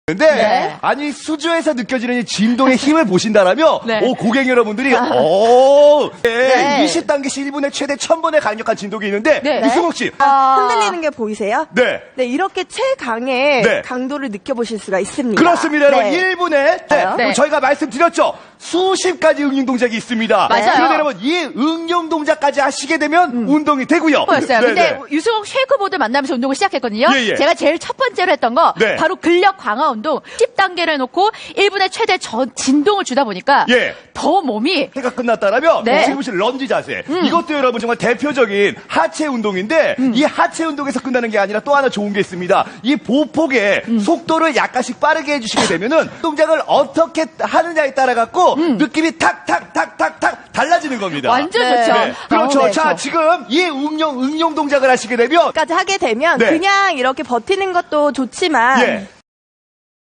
근데 아니 수조에서 느껴지는 이 진동의 힘을 보신다라면 오 고객 여러분들이 20단계씩 1분에 최대 1000번의 강력한 진동이 있는데 이승욱 씨 흔들리는 게 보이세요? 네. 이렇게 최강의 강도를 느껴보실 수가 있습니다. 그렇습니다. 여러분 1분에 저희가 말씀드렸죠. 수십 가지 응용 동작이 있습니다. 맞아요. 그런데 여러분 이 응용 동작까지 하시게 되면 운동이 되고요. 였어요. 근데 유승욱 쉐이크보드 만나면서 운동을 시작했거든요. 제가 제일 첫 번째로 했던 거 바로 근력 강화 운동 10단계를 놓고 1분에 최대 진동을 주다 보니까 더 몸이 해가 끝났다라면 지금 보신 런지 자세 이것도 여러분 정말 대표적인 하체 운동인데 이 하체 운동에서 끝나는 게 아니라 또 하나 좋은 게 있습니다. 이 보폭의 속도를 약간씩 빠르게 해주시게 되면은 동작을 어떻게 하느냐에 따라 갖고 느낌이 탁탁탁탁탁 달라지는 겁니다. 완전 좋죠. 그렇죠. 자 지금 이 응용 동작을 하시게 되면 까지 하게 되면 그냥 이렇게 버티는 것도 좋지만